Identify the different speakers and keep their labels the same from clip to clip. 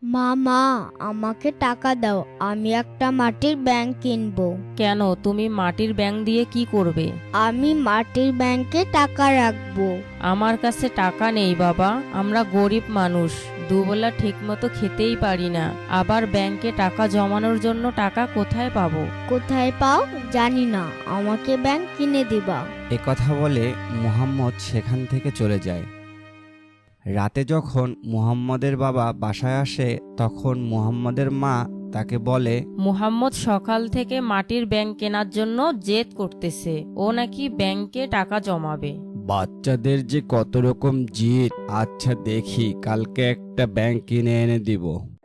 Speaker 1: মা মা আমাকে টাকা দাও, আমি একটা মাটির ব্যাংক কিনবো।
Speaker 2: কেন, তুমি মাটির ব্যাঙ দিয়ে কি করবে?
Speaker 1: আমি মাটির ব্যাংকে টাকা রাখবো।
Speaker 2: আমার কাছে টাকা নেই বাবা, আমরা গরিব মানুষ, দুবেলা ঠিকমতো খেতেই পারি না, আবার ব্যাংকে টাকা জমানোর জন্য টাকা কোথায় পাবো?
Speaker 1: কোথায় পাও জানি না, আমাকে ব্যাংক কিনে দিবা।
Speaker 3: কথা বলে মুহাম্মদ সেখান থেকে চলে যায়। রাতে যখন মুহাম্মদের বাবা বাসায় আসে তখন মুহাম্মদের মা তাকে বলে,
Speaker 2: মুহাম্মদ সকাল থেকে মাটির ব্যাংক কেনার জন্য জেদ করতেছে, ও নাকি ব্যাংকে টাকা জমাবে।
Speaker 3: বাচ্চাদের যে কত রকম জিদ, আচ্ছা দেখি কালকে একটা ব্যাংক কিনে এনে দিব।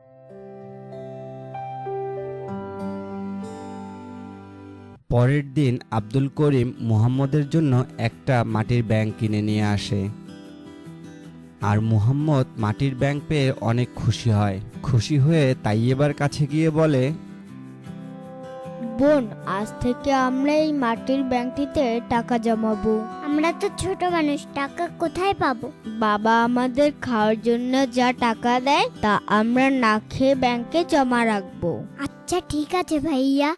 Speaker 3: পরের দিন আব্দুল করিম মুহাম্মদের জন্য একটা মাটির ব্যাংক কিনে নিয়ে আসে। আর মুহাম্মদ মাটির ব্যাংক পেয়ে অনেক খুশি হয়। খুশি হয়ে তাইয়েবার কাছে গিয়ে বলে,
Speaker 1: বোন, আজ থেকে আমরা এই মাটির ব্যাংকটিতে টাকা জমাবো।
Speaker 4: আমরা তো ছোট মানুষ, টাকা কোথায় পাবো?
Speaker 1: বাবা আমাদের খাওয়ার জন্য যা টাকা দেয় তা আমরা না খেয়ে ব্যাংকে জমা রাখবো।
Speaker 4: আচ্ছা ঠিক আছে ভাইয়া।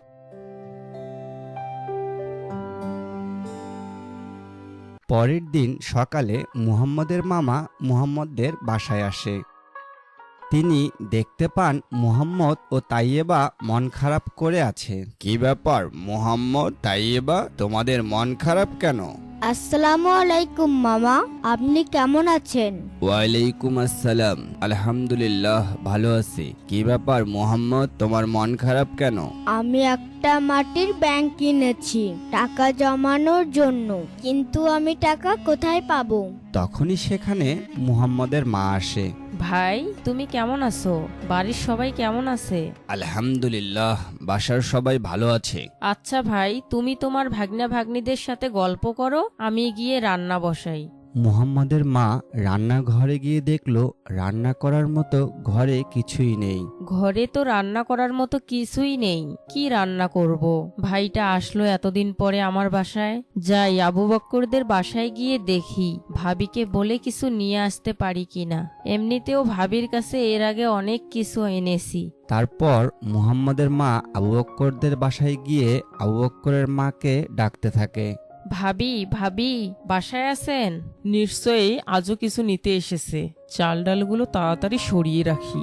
Speaker 3: পরের দিন সকালে মুহাম্মদের মামা মুহাম্মদের বাসায় আসে। তিনি দেখতে পান মুহাম্মদ ও তাইয়েবা মন খারাপ করে আছে। কি ব্যাপার মুহাম্মদ, তাইয়েবা, তোমাদের মন খারাপ কেন?
Speaker 1: আসসালামু আলাইকুম মামা, আপনি কেমন আছেন?
Speaker 3: ওয়ালাইকুম আসসালাম, আলহামদুলিল্লাহ ভালো আছি। কি ব্যাপার মুহাম্মদ, তোমার মন খারাপ কেন?
Speaker 1: আমি একটা মাটির ব্যাংক কিনেছি টাকা জমানোর জন্য, কিন্তু আমি টাকা কোথায় পাবো?
Speaker 3: তখনই সেখানে মুহাম্মদের মা আসে।
Speaker 2: ভাই, তুমি কেমন আছো? বাড়ির সবাই কেমন আছে?
Speaker 3: আলহামদুলিল্লাহ, বাসার সবাই ভালো আছে।
Speaker 2: আচ্ছা ভাই, তুমি তোমার ভাগ্না ভাগ্নিদের সাথে গল্প করো, আমি গিয়ে রান্না বসাই।
Speaker 3: মুহাম্মদের মা রান্নাঘরে গিয়ে দেখলো রান্না করার মতো ঘরে কিছুই নেই।
Speaker 2: ঘরে তো রান্না করার মতো কিছুই নেই, কি রান্না করব? ভাইটা আসলো এতদিন পরে আমার বাসায়, যাই আবু বক্করদের বাসায় গিয়ে দেখি ভাবিকে বলে কিছু নিয়ে আসতে পারি কিনা। এমনিতেও ভাবির কাছে এর আগে অনেক কিছু এনেছি।
Speaker 3: তারপর মুহাম্মদের মা আবু বক্করদের বাসায় গিয়ে আবু বক্করের মাকে ডাকতে থাকে।
Speaker 2: ভাবি, ভাবি বাসায় আছেন? নিশ্চয়ই আজও কিছু নিতে এসেছে, চাল ডালগুলো তাড়াতাড়ি সরিয়ে রাখি।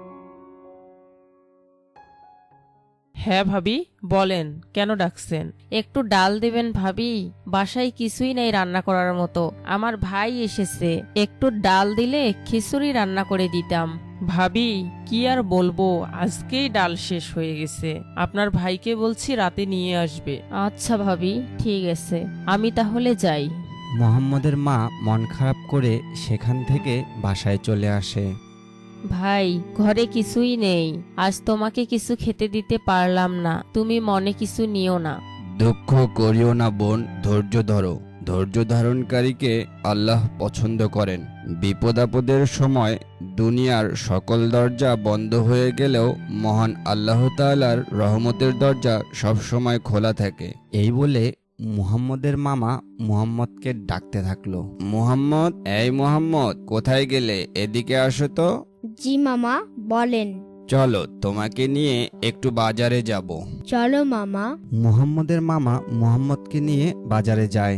Speaker 2: হ্যাঁ ভাবি, বলেন কেন ডাকছেন? একটু ডাল দেবেন ভাবি, বাসায় কিছুই নেই রান্না করার মতো, আমার ভাই এসেছে, একটু ডাল দিলে খিচুড়ি রান্না করে দিতাম। ভাবি কি আর বলবো, আজকেই ডাল শেষ হয়ে গেছে, আপনার ভাইকে বলছি রাতে নিয়ে আসবে। আচ্ছা ভাবি, ঠিক আছে, আমি তাহলে যাই।
Speaker 3: মুহাম্মদের মা মন খারাপ করে সেখান থেকে বাসায় চলে আসে।
Speaker 2: ভাই, ঘরে কিছুই নেই, আজ তোমাকে কিছু খেতে দিতে পারলাম না, তুমি মনে কিছু নিও না।
Speaker 3: দুঃখ করিও না বোন, ধৈর্য ধরো। ধৈর্য ধারণকারীকে আল্লাহ পছন্দ করেন। বিপদ আপদের সময় দুনিয়ার সকল দরজা বন্ধ হয়ে গেলেও মহান আল্লাহ তাআলার রহমতের দরজা সব সময় খোলা থাকে। এই বলে মুহাম্মদের মামা মুহাম্মদকে ডাকতে থাকলো। মুহাম্মদ, এই মুহাম্মদ, কোথায় গেলে? এদিকে আসো তো।
Speaker 1: জি মামা, বলেন।
Speaker 3: চলো, তোমাকে নিয়ে একটু বাজারে যাব।
Speaker 1: চলো মামা।
Speaker 3: মুহাম্মদের মামা মুহাম্মদকে নিয়ে বাজারে যায়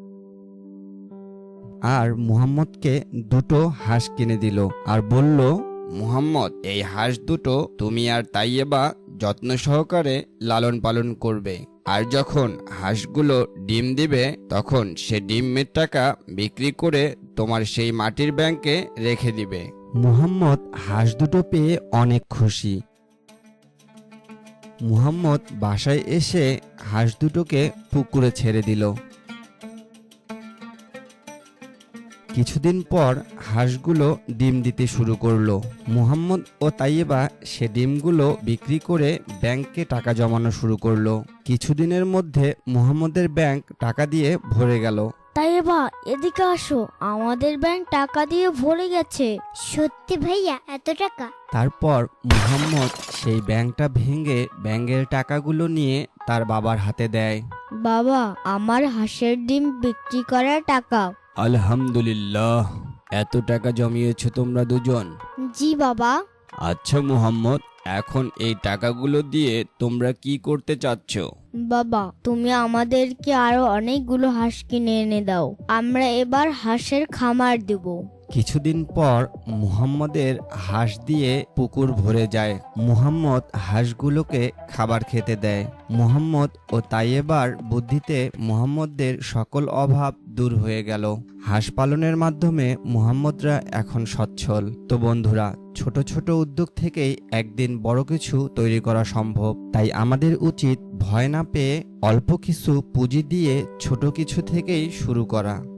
Speaker 3: আর মুহাম্মদকে দুটো হাঁস কিনে দিল আর বলল, মুহাম্মদ, এই হাঁস দুটো তুমি আর তাইয়েবা যত্ন সহকারে লালন পালন করবে, আর যখন হাঁসগুলো ডিম দিবে তখন সে ডিমের টাকা বিক্রি করে তোমার সেই মাটির ব্যাংকে রেখে দিবে। মুহাম্মদ হাঁস দুটো পেয়ে অনেক খুশি। মুহাম্মদ বাসায় এসে হাঁস দুটোকে পুকুরে ছেড়ে দিল। কিছুদিন পর হাঁসগুলো ডিম দিতে শুরু করলো। মুহাম্মদ ও তাইয়েবা সে ডিমগুলো বিক্রি করে ব্যাংকে টাকা জমানো শুরু করলো। কিছুদিনের মধ্যে মুহাম্মদের ব্যাংক টাকা দিয়ে ভরে গেল।
Speaker 1: তাইয়েবা, এদিকে আসো, আমাদের ব্যাংক টাকা দিয়ে ভরে গেছে।
Speaker 4: সত্যি ভাইয়া, এত টাকা?
Speaker 3: তারপর মুহাম্মদ সেই ব্যাংকটা ভেঙে ব্যাংকের টাকাগুলো নিয়ে তার বাবার হাতে দেয়।
Speaker 1: বাবা, আমার হাঁসের ডিম বিক্রি করার টাকা।
Speaker 3: আলহামদুলিল্লাহ, এত টাকা জমিয়েছো তোমরা দুজন?
Speaker 1: জি বাবা।
Speaker 3: আচ্ছা মুহাম্মদ, এখন এই টাকাগুলো দিয়ে তোমরা কি করতে চাচ্ছ?
Speaker 1: বাবা, তুমি আমাদেরকে আরো অনেকগুলো হাঁস কিনে এনে দাও। আমরা এবার হাঁসের খামার দেব।
Speaker 3: কিছুদিন পর মুহাম্মদের হাঁস দিয়ে পুকুর ভরে যায়। মুহাম্মদ হাঁসগুলোকে খাবার খেতে দেয়। মুহাম্মদ ও তাইয়েবার বুদ্ধিতে মুহাম্মদের সকল অভাব দূর হয়ে গেল। হাঁস পালনের মাধ্যমে মুহাম্মদরা এখন সচ্ছল। তো বন্ধুরা, ছোট ছোট উদ্যোগ থেকেই একদিন বড় কিছু তৈরি করা সম্ভব। তাই আমাদের উচিত ভয় না পেয়ে অল্প কিছু পুঁজি দিয়ে ছোট কিছু থেকেই শুরু করা।